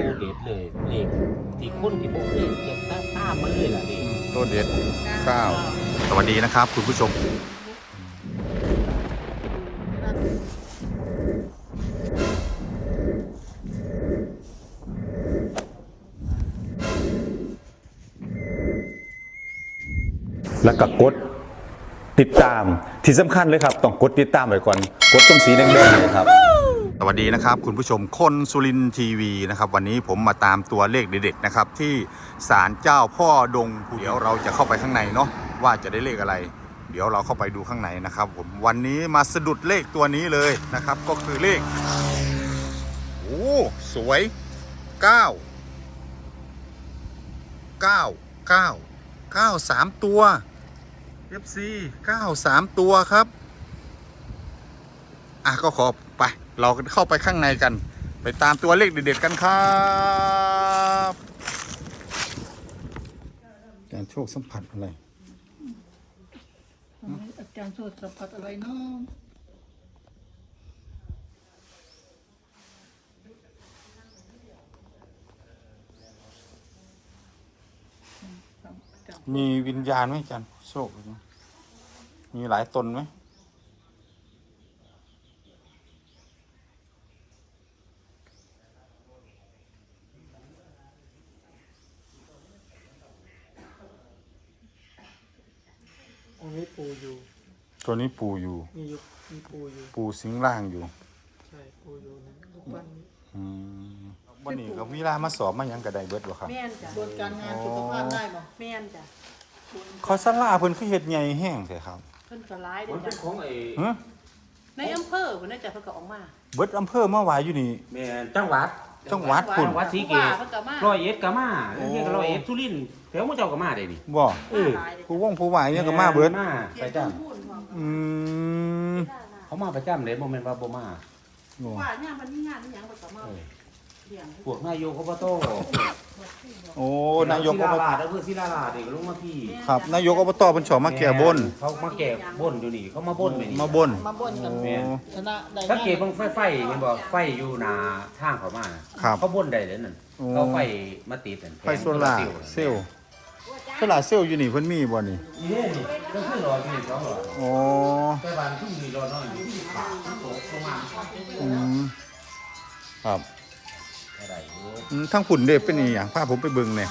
ตัวเด็ดเลยเลขที่คนที่บอกเลขเก็บตามมาเลยล่ะเลขตัวเด็ด9สวัสดีนะครับคุณผู้ชมแล้วก็กดติดตามที่สำคัญเลยครับต้องกดติดตามไว้ก่อนกดตรงสีแดงๆเลยครับสวัสดีนะครับคุณผู้ชมคนสุรินทร์ทีวีนะครับวันนี้ผมมาตามตัวเลขเด็ดๆนะครับที่ศาลเจ้าพ่อดงเดี๋ยวเราจะเข้าไปข้างในเนาะว่าจะได้เลขอะไรเดี๋ยวเราเข้าไปดูข้างในนะครับผมวันนี้มาสะดุดเลขตัวนี้เลยนะครับก็คือเลขโอ้สวย9 3 ตัว FC 9 3 ตัวครับก็ขอไปเราเข้าไปข้างในกันไปตามตัวเลขเด็ดๆกันครับการโชคสัมผัสอะไรอาจารย์โชคสัมผัสอะไรเนาะมีวิญญาณไหมอาจารย์โชคมีหลายตนไหมอันนี้ปูอยู่ตัวนี้ปูอยู่มีปูอยู่ปูสิงร่างอยู่ใช่ปูอยู่นะรูปปั้นนี้วันนี้ก็มีลามาสอบมายังกระไดเบิดบ่ครับแม่นจ้ะบนการงานสุขภาพได้บ่แม่นจ้ะเขาสลาเพิ่นคือเฮ็ดใหญ่แห้งใช่ครับเพิ่นก็ร้ายมันเด้เป็นจ้ะของในอำเภอเพิ่นน่ะจ้ะเพิ่นก็ออกมาเบิดอำเภอมาไหวอยู่นี่แม่จังหวัดจังหวัดพุ่นจังหวัดศรีเกษเพิ่นก็มาร้อยเอ็ดก็มาเรียกร้อยเอ็ดสุรินทร์แถวหมู่เจ้าก็มาได้นี่บ่หลายเด้ผู้วงผู้ไหวเนี่ยก็มาเบิดมาไปจ้ะพูดพร้อมอืมเขามาประจำเลยบ่แม่นว่าบ่มาว่าเนี่ยมันมีงานมีหยังเพิ่นก็มาเลี้ยงพวกนายกอบตโอ้นายกอบตอำเภอศิลาลาดนี่ก็ลงมาพี่ครับนายกอบตเพิ่นชอบมาแก้บนเขามาแก้บนอยู่นี่เขามาบนไปนี่มาบนมาบนกันแม่นชนะได้สังเกตบางไฟเห็นบ่ไฟอยู่หน้าทางเขามาครับเขาบนได้เลยนั่นโอ้เขาไฟมาติดนั่นไฟโซล่าร์เซลล์โซล่าร์เซลล์อยู่นี่เพิ่นมีบ่นี่นี่ก็คือรอที่2รออ๋อแต่บ้านทุ่งนี่รอน้อยอยู่ที่ขาตกลงมาครับอะไรอยู่ทั้งฝุ่นเด้เป็นอีหยังพาผมไปเบิ่งแหน่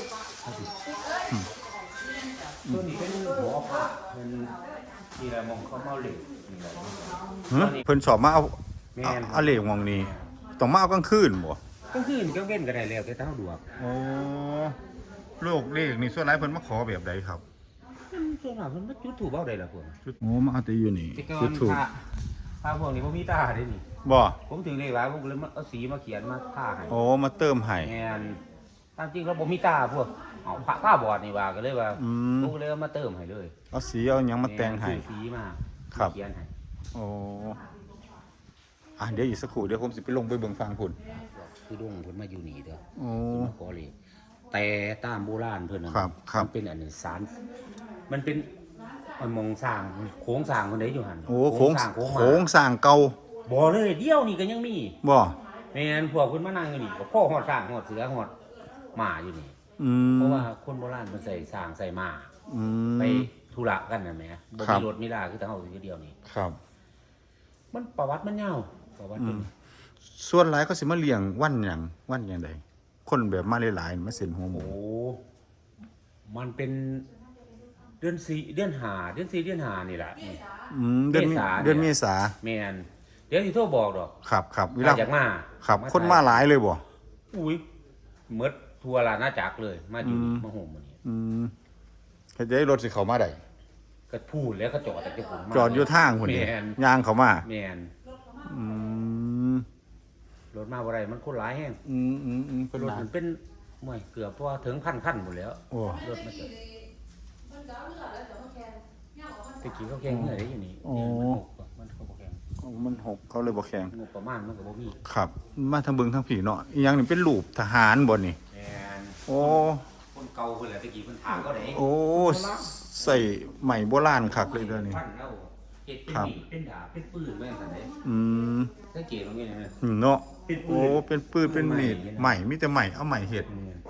ตัวนี้เป็นหัวผ้าเป็นที่ละมองเขาเมาเหล็กนี่แหละเพิ่นชอบมาเอาแม่นเอาเลขหม่องนี้ต้องมาเอากลางคืนบ่ก็คืนก็เว้นก็ได้แล้วแต่เท่าดวกโอ้โลกเลขนี่ส่วนหลายเพิ่นมาขอแบบใดครับส่วนมากมันจุดถูกเบ้าได้ล่ะพวกโอ้มาเอาแต่อยู่นี่ที่ก่อจุนดถูกพาพวกนี้บ่มีตาได้นี่บ่ผมถึงเลยว่าผมก็เลยมาเอาสีมาเขียนมาทาให้โอ้มาเติมให้แม่นตามจริงแล้วบ่มีตาพวกเอาผ้าบอดนี่ว่าก็เลยว่าผมก็เลยเอามาเติมให้เลยเอาสีเอาหยังมาแต่งให้ซื้อสีมาครับเขียนให้โอ้เดี๋ยวอีกสักครู่เดี๋ยวผมสิไปลงไปเบิ่งฟังพุ่นคือดงเพิ่นมาอยู่นี่เด้อโอ้เพิ่นมาขอเลยแต่ตามโบราณเพิ่นน่ะครับครับมันเป็นอันนี้สารมันเป็นมันมองสร้างโค้งสร้างคนใดอยู่หั่นโอ้โค้งสร้างโค้งโค้งสร้างเก่าบ่เลยเดียวนี่ก็ยังมีบ่แม่นพวกเพิ่นมานั่งอยู่นี่ก็พ่อฮอดสร้างฮอดเสือฮอดหมาอยู่นี่ เพราะว่าคนโบราณมันใส่สร้างใส่หมาไปธุระกันน่ะแหมบ่มีรถมีลาคือแต่เฮาอยู่เดียวนี่ครับมันประวัติมันยาวประวัติมันส่วนหลายเขาสิมาเลี้ยงวันหยังใดคนแบบมาหลายๆมาเส้นหัวหมูโอ้มันเป็นเดือน4เดือน5เดือน4เดือน5นี่แหละนี่เดือนเมษาแม่นเดี๋ยวสิโทรบอกดอกครับเวถ้าลาอยากมาครับคนมาหลายเลยบ่อุ้ยหมดทั่วราชอาณาจักรเลยมาอยู่นี่มาโฮมมื้อนี้เฮ็ดให้รถสิเข้ามาได้ก็พูดแล้วก็จอดแต่จะผมมาจอดอยู่ทางพุ่นนี่แม่นย่างเข้ามาแม่นอืมรถมาบ่ได้มันคนหลายแฮงเป็นรถหลายมันเป็นห่วยเกือบว่าถึงพันขั้นหมดแล้วโอ้รถมาจอดตะกี้เขาแข่งเมื่อไรอยู่นี่มันเขาบ่แข่งมันหกเขาเลยบ่แข็งงบประมาณมันก็บ่มีครับ มาทางเบิ่งทางผีเนาะอีหยังนี่เป็นรูปทหารบ่นี่แม่นโอ้คนเก่าเพิ่นแหละตะกี้เพิ่นถามเขาได้โอ้ใส่ใหม่โบราณคักเลยเด้อนี่พันแล้วเฮ็เฮ็ดเป็นมีดเป็นดาบเป็นปืนแม่นซั่นเด้อืมสังเกตตรงนี้นะเนาะเป็นปืนโอ้เป็นปืนเป็นมีดใหม่มีแต่ใหม่เอาใหม่เฮ็ด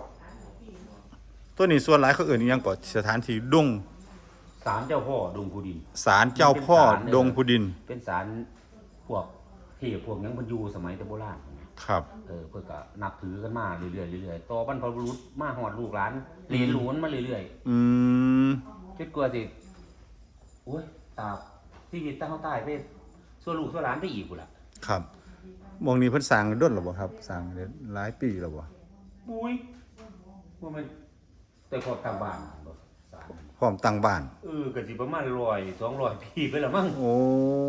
ตัวนี้ส่วนหลายเขาเอิ้นอิหยังก่อนสถานที่ดงศาลเจ้าพ่อดงพูดินศาลเจ้าพ่อดงพุดินเป็นศาลพวกเทพพวกหยังเพิ่นอยู่สมัยแต่โบราณครับเพิ่นก็นับถือกันมาเรื่อยๆเรื่อยๆต่อบรรพบุรุษมาฮอดลูกหลานเหลนหลวนมาเรื่อยอืมๆจนกว่าสิโอ้ยตาชีวิตตั้งเฮาตายไปส่วนลูกส่วนหลานไปอีกพุ่นล่ะครับหมองนี้เพิ่นสร้างด้นหรอบ่ครับสร้างได้หลายปีแล้วบ่ปุ้ยว่ามันแต่พอทางบ้านบ่ศาลพร้อมตั้งบ้านก็สิประมาณ100 200ปีไปแล้วมั้งโอ้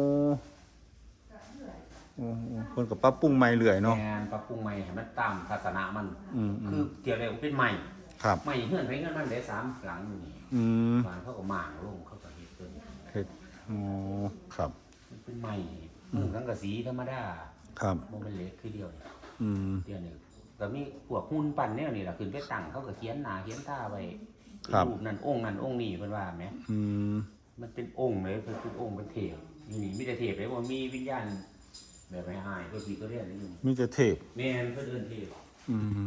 โอ้เพิ่นก็ปรับปรุงใหม่เรื่อยเนาะแม่นปรับปรุงใหม่ให้มันตามศาสนามันอืมคือเกี่ยวอะไรเป็นใหม่ครับใหม่เฮือนไปเฮือนมันได้3หลังอยู่นี่อืมบ้านเขาก็หม่างลงเขาก็เฮ็ดตัวนี้เฮ็ดโอ้ครับมันเป็นใหม่เมืองสังกะสีธรรมดาครับบ่แม่นเหล็กคือเดียวนี่อืมเดียวนี่ก็มีพวกหุ่นปั้นแนวนี่ล่ะขึ้นไปตั้งเขาก็เขียนหน้าเขียนตาไว้ครับรูปนั้นองค์นั้นองค์นี้เพิ่นว่าแหมอืมมันเป็นองค์เลยเป็นองค์เป็นเทพอยู่นี่มีแต่เทพเลยว่ามีวิญญาณแบบไม่หายก็สิก็เรียนนี่มีแต่เทพแม่นเพิ่นเอิ้นเทพอืม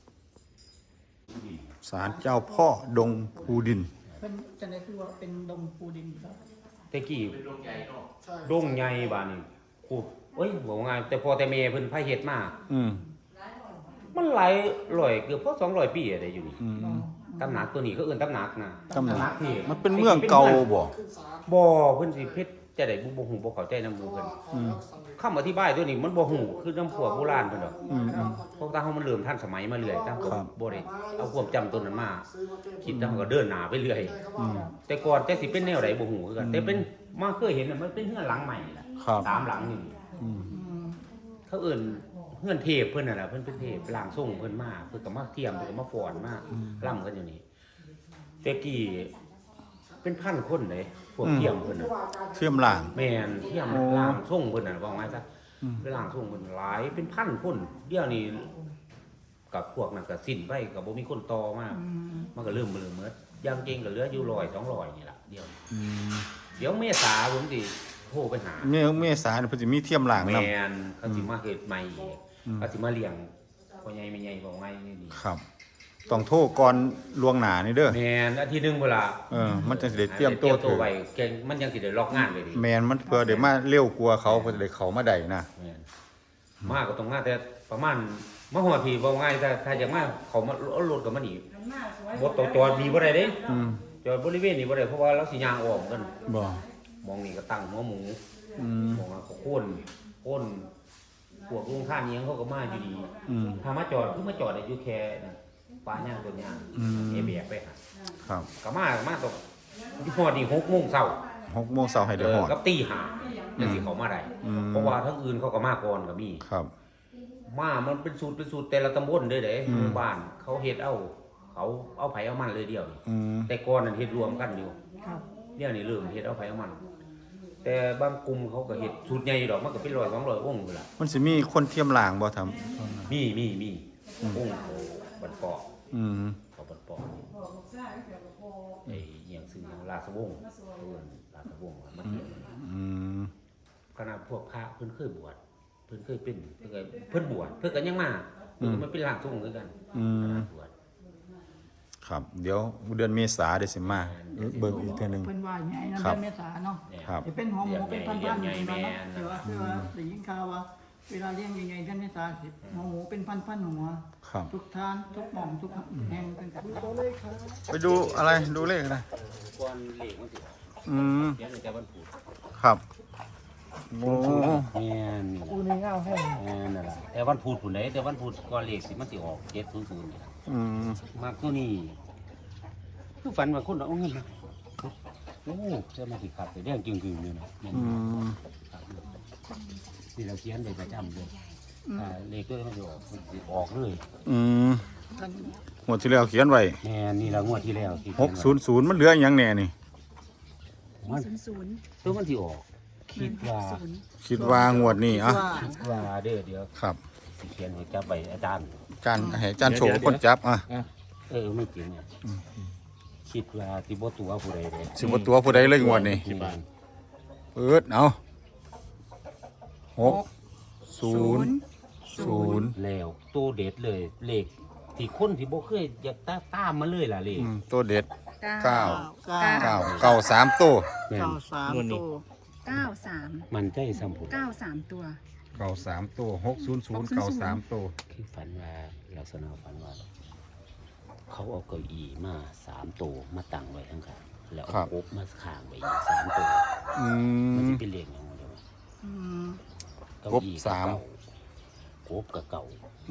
ศาลเจ้าพ่อดงพูดินเป็นจะได้คือว่าเป็นดงปูดินครับแต่กี้ใช่ดงใหญ่บาดนี้คูเอ้ยบอกว่าไงแต่พอแต่แม่เพิ่นพาเฮ็ดมาอืมมันหลายร้อยเกือบพอ200 ปีอะไรอยู่นี่อืมตำหนักตัวนี้เขาเอิ้นตำหนักนะตำหนักที่มันเป็นเมืองเก่าบ่ขึ้นศาลบ่เพิ่นสิเพชรจะได้บ่ฮู้บ่เข้าใจนำหมู่เพิ่นคำอธิบายตัวนี้มันบ่ฮู้คือนำพวกโบราณเพิ่นดอกอืมเพราะว่าเฮามันเริ่มทันสมัยมาเรื่อยตามก็ครับบ่ได้เอาความจำตัวนั้นมาคิดแล้วก็เดินหน้าไปเรื่อยอืมแต่ก่อนแต่สิเป็นแนวใดบ่ฮู้คือกันแต่เป็นมาเคยเห็นน่ะมันเป็นเรือนหลังใหม่ล่ะครับ 3หลังนี่อืมเขาเอิ้นเฮือนเทพเพิ่นน่ะล่ะเพิ่นเป็นเทพร่างทรงเพิ่นมาเพิ่นก็มาเทียมเพิ่นก็มาฟ้อนมาล่ำกันอยู่นี่แต่กี้เป็นพันคนเลยพวกเทียมเพิ่นน่ะเชื่อมหลางแม่นเทียมโอ้ร่างทรงเพิ่นน่ะว่าไงซะอืมเป็นร่างทรงเพิ่นหลายเป็นพันคนเดี๋ยวนี้กับพวกนั้นก็สิ้นไปก็บ่มีคนต่อมามันก็เริ่มเบิ่หมดอย่างเก่งก็เหลืออยู่100 200นี่ล่ะเดี๋ยวนี้อืมเดี๋ยวเมษาผมสิโทรไปหาเมษาเนี่ยเพิ่นสิมีเทียมหลางแมนํนเขาสิมาเฮ็ดใหม่อีกอืมเขาสิมาเลี้ยงพ่อใหญ่แม่ใหญ่บอกไงนี่นี่ครับ ต้องโทรก่อนล่วงหน้านี่เด้อแมนอาทิตย์หนึงเวลามันจะสิได้เตรียมตัวถือไว้เก่งมันยังสิได้ล็อกงานไว้ดีแมนมันเพื่อเดี๋ยวมาเร็วกลัวาเขาเพื่อได้เขามาได้นะแมนมาก็ต้องมาแต่ประมาณมาฮอดพี่บอกไงถ้าอยากมาเขามาเอารถกับมันอีกมันหน้าสวยบ่ต้องจอดนี่บ่ได้เด้อืมจอดบริเวณนี้บ่ได้เพราะว่าเราสิย่างออกกันบ่มองนี่ก็ตั้งหัวหมูอืมมองว่าเขาโค่นพวกลุงข้านเนียงเขาก็มาอยู่ดีอืมถ้ามาจอดคือมาจอดได้อยู่แค่นั่นป้าย่างตัวย่างอืมเอเบียกไปหาครับก็มาตกที่พอดี6 โมงเช้า 6 โมงเช้าให้ได้ฮอดกับตีห้าจะสิเขามาได้อืมเพราะว่าทั้งอื่นเขาก็มาก่อนก็มีครับมามันเป็นสูตรแต่ละตำบลเด้เด้อืมหมู่บ้านเขาเฮ็ดเขาเอาไผเอามันเลยเดียวนี่อืมแต่ก่อนนั้นเฮ็ดรวมกันอยู่ครับเดี๋ยวนี้เริ่มเฮ็ดเอาไผเอามัน แต่บางกลุ่มเขาก็เฮ็ดสูตรใหญ่ดอกมันก็เป็น100 200องค์พุ่นล่ะมันสิมีคนเทียมหลางบ่ทำมีองค์เขาบันปอกอืมเขาบันปอกไอ้เอียงซึ่งราชวงศ์เพิ่นราชวงศ์มันเฮ็ดอืมขณะพวกพระเพิ่นเคยบวชเพิ่นเคยเป็นเพิ่นบวชเพิ่นก็ยังมาเพิ่นก็มาเป็นร่างทรงคือกันอืมบวชครับ เดี๋ยวเดือนเมษาเดี๋ยวสิมาเบิ่งอีกเทื่อนึงเป็นว่าไงนั่นครับเป็นเมษาเนาะเนี่ยครับจะเป็นหัวหมูเป็นพันๆอยู่ใหญ่ที่แม่นั่นเนาะแต่ว่าคือว่าได้ยินข่าวว่าเวลาเลี้ยงยังไงท่านเมษาสิหัวหมูเป็นพันๆหัวครับทุกทานทุกหม่องทุกแห่งเป็นกันตัวเลขครับไปดูอะไรดูเลขนะก่อนเลขมันสิออกอืมเดี๋ยวจะวันพุธครับโอ้แม่นอูในเงาแห้งแม่นนั่นล่ะแต่วันพุธพุ่นใดแต่วันพุธก่อนเลขสิมันสิออก700นี่ล่ะอืมมากตัวนี้คือฝันว่าคนเอาเงินมาโอ้จะมาสิขับไปแดงจึงๆอยู่นะแม่นอืมที่เราเขียนได้ประจำเลยเลขตัวนี้มันสิออกเลยอืมกันหมดที่แล้วเขียนไว้แม่นี่ละงวดที่แล้วที่เขียนไว้ 600มันเหลืออีหยังแน่นี่มัน 00 ตัวมันที่ออก คิดว่าคิดว่างวดนี้อ่ะว่าคิดว่าเดี๋ยวครับสิเขียนให้จับไปอาจารย์ให้จานโชว์คนจับอ่ะไม่จริงเนี่ยคิดว่าที่บ่ตัวผู้ใดเลยสิบ่ตัวผู้ใดเลยงวดนี้คิดว่าเปิดเอา600 แล้วตัวเด็ดเลยเลขที่คนที่บ่เคยอยากตามมาเลยล่ะเลขตัวเด็ดเก้าเก้า3ตัวแม่น 93ตัว 93 มันใจสัมผัส 93 ตัวเก้า3ตัว600เก้า3ตัวคือฝันว่าลักษณะฝันว่า เขาเอาเก้าอี้มา3ตัวมาตั้งไว้ข้างๆแล้วเอากบมาข้างไว้อีก3ตัว มันสิเป็นเลขหยังบ่ได้ว่าอืมเก้าอี้กับเก่ากบกับเก่า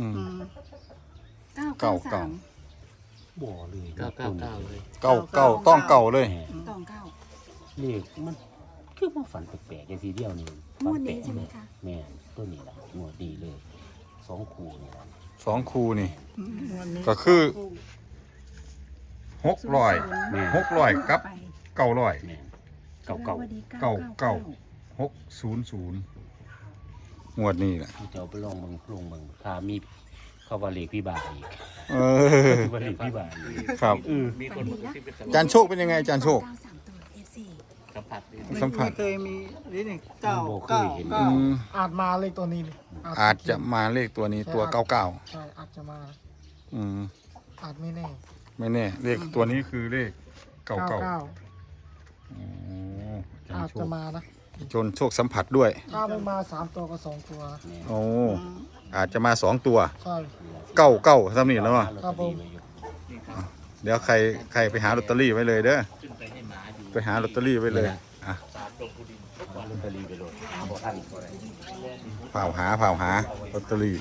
เก้า 993 บ่เลยเก้าต้องเก่าเลยแม่ตองเก้าเลขมันคือมาฝันแปลกๆอย่างทีเดียวนี่งวดนี้ใช่ไหมคะแม่นตัวนี้ล่ะงวดดีเลย2คู่นี่ล่ะ 2คู่นี่วันนี้ก็คือ600 แม่น 600กับไป 900 แม่นเก่าสวัสดีเก้าเก้า 600งวดนี้แหละๆที่จะเอาไปลองเบิ่งถ้ามีเข้าว่าเลขพี่บาทอีกเออคือว่าเลขพี่บาทอีกครับมีคนพูดที่เป็นอาจารย์โชคเป็นยังไงอาจารย์โชค 93 ตัว FC สัมผัสไม่เคยมีนี่นี่มันบ่เคยเห็นอืมอาจมาเลขตัวนี้นี่อาจจะมาเลขตัวนี้ตัว 99 ใช่อาจจะมาอืมอาจไม่แน่ไม่แน่เลขตัวนี้คือเลข 99 99 โอ้อาจารอาย์จโชจะคมานะจนโชคสัมผัสด้วยถ้าไม่มา3ตัวก็2ตัวนะโอ้อาจจะมา2ตัวใช่ 99ซ้ำนี่แล้วว่ะครับผมเดี๋ยวใครไปหาลอตเตอรี่ไว้เลยเด้อไปหาลอตเตอรี่ไว้เลยอ่ะลอตเตอรี่ไปโหลดบ่ทันบ่ได้เผาหาลอตเตอรี่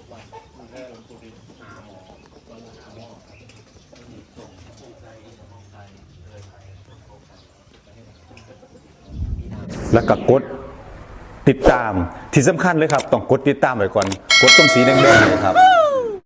แล้วก็กดติดตามที่สำคัญเลยครับต้องกดติดตามไว้ก่อนกดตรงสีแดงๆเลยครับ